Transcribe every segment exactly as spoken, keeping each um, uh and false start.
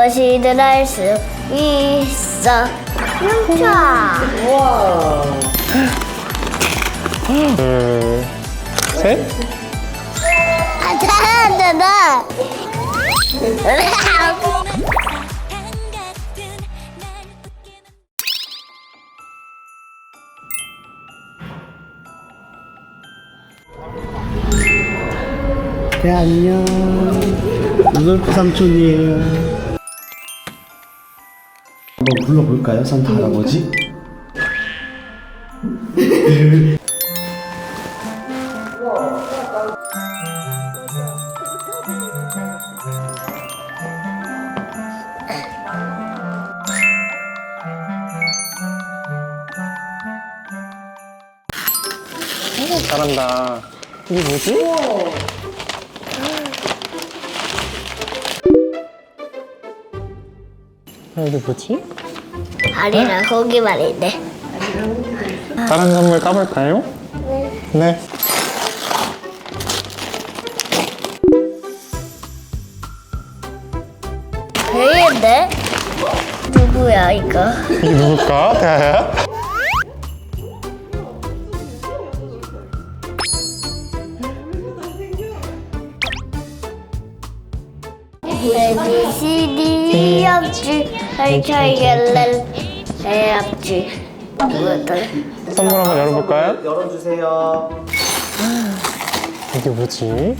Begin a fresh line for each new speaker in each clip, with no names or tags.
무엇이든 할 수 있어. 멈춰.
우와.
둘, 셋.
아, 잘한다.
네, 안녕. 루돌프 삼촌이에요. 한번 불러볼까요, 산타 할아버지?
잘한다. 이게 뭐지? 아, 이게 뭐지?
아리랑 고기 말인데.
다른 선물 까볼까요? 네.
배인데? 누구야 이거?
이게 누굴까? 태아야?
A B C D E F G H I J L L A F G 뭐였더라?
선물 한번 열어볼까요?
열어주세요.
이게 뭐지?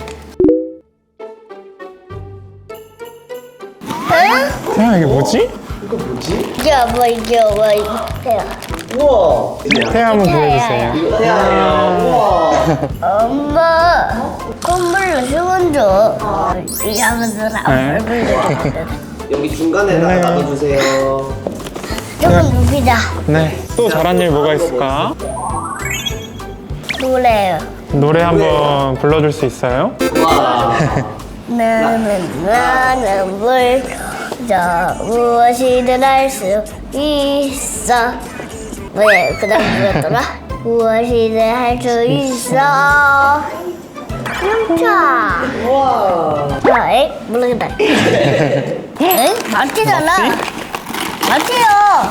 응?
태아, 이게 뭐지?
이거 뭐지?
이게 뭐 이게 뭐 이게
우와.
태아 한번 보여주세요.
이거 태아예요. 우와.
엄마 선물로 수건 줘. 이거 하면서 나 얼굴
여기 중간에다가
네.
놔둬주세요.
조금 눕히자.
네. 또 잘한 일 뭐가 있을까?
노래요.
노래 한번 불러줄 수 있어요?
우와.
나는 나는 물저 무엇이든 할 수 있어. 뭐야 그다음 뭐였더라? 무엇이든 할 수 있어. 멈춰.
우와.
아, 에이 모르겠다. 에이 맞지잖아. 맞지요.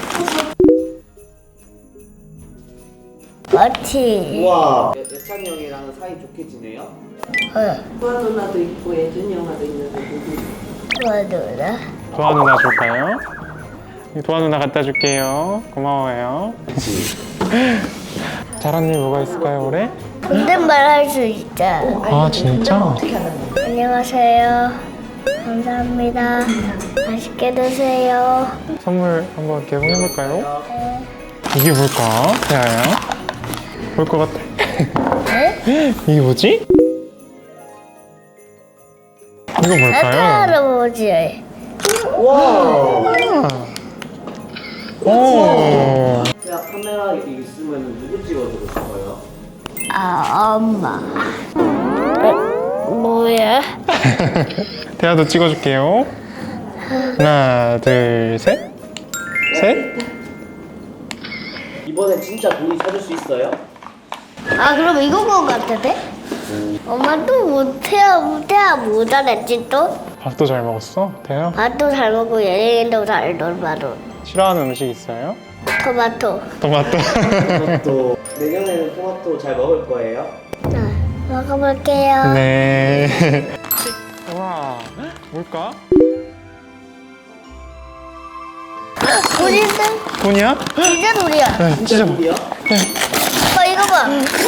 맞지.
우와. 예찬이 형이랑 사이 좋게 지내요?
어.
도아 누나도 있고 예준이 형아도 있는데 누구?
좋아 누나.
도아 누나 줄까요? 도아 누나 갖다 줄게요. 고마워요. 잘한 일 뭐가 있을까요, 올해?
존댓말 할 수 있자.
아, 진짜?
안녕하세요. 감사합니다. 맛있게 드세요.
선물 한번 개봉해볼까요? 이게 뭘까? 태아야? 볼 것 같아.
네?
이게 뭐지? 이거
아빠
뭘까요?
할아버지.
우와.
오.
야, 카메라 있으면 누구 찍어주고 싶어요?
아 엄마. 어, 뭐야?
태아도 찍어줄게요. 하나, 둘, 셋. 셋.
이번엔 진짜 돈이 찾을 수 있어요?
아 그럼 이거 것 같은데? 엄마 또 못해야 못해야 뭐 잘했지 또?
밥도 잘 먹었어, 태아?
밥도 잘 먹고 예린이도 잘 놀아도.
싫어하는 음식 있어요?
토마토.
토마토.
또 내년에는 토마토 잘 먹을 거예요?
자 먹어볼게요.
네. 와, 뭘까?
우리는
돈이야?
진짜 돌이야.
네, 진짜.
돈이요?
어 이거 봐.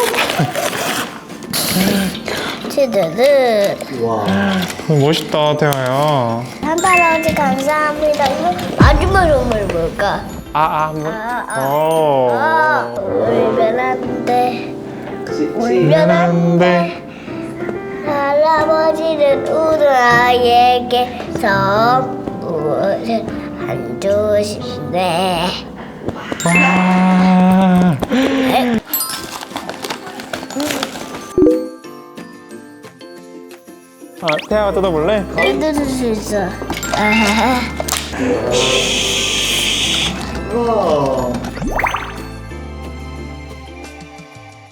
치즈는
우와.
어, 멋있다, 태아야.
산타 할아버지 감사합니다. 이거 마지막 선물 뭘까?
아, 아, 뭐?
아, 아.
오.
아 울면 안 돼.
시, 시.
울면 안 돼. 할아버지는 우는 아이에게 선물을 안 주신대.
와. 아, 태아가 뜯어볼래?
뜯을 수 있어. 아하하.
우와.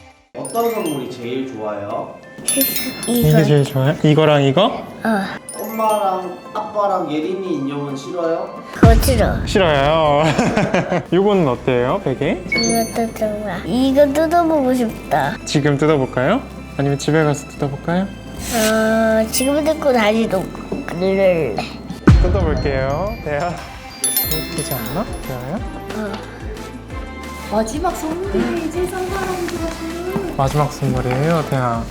어떤 선물이 제일 좋아요?
이게 제일 좋아요? 이거랑 이거?
어.
어머, 엄마랑 아빠랑 예린이 인형은 싫어요?
그거 싫어.
싫어요. 이거는 어때요, 베개?
이것도 좋아. 이거 뜯어보고 싶다.
지금 뜯어볼까요? 아니면 집에 가서 뜯어볼까요?
어, 지금 뜯고 다시 놓고 그럴래.
뜯어볼게요. 대야. 재밌지 않나? 대야야?
마지막 선물이 세상 사람들한테.
마지막 선물이에요, 대야.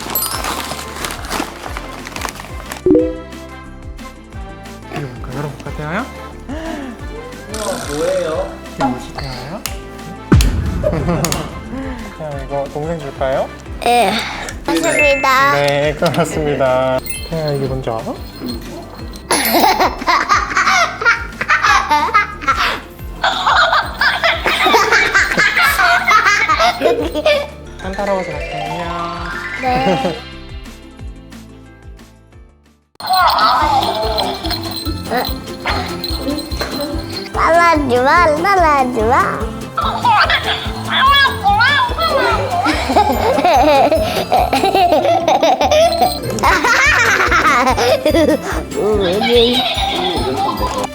열어볼까, 열어볼까, 대야야?
우와 뭐예요?
이게 뭐지, 대야야? 대야, 이거 동생 줄까요?
예. 맞습니다.
네, 고맙습니다. 태야, 이게 뭔지 알아? 산타 할아버지 갈게요. 안녕.
네. 따라하지 마, 따라하지 마. 왜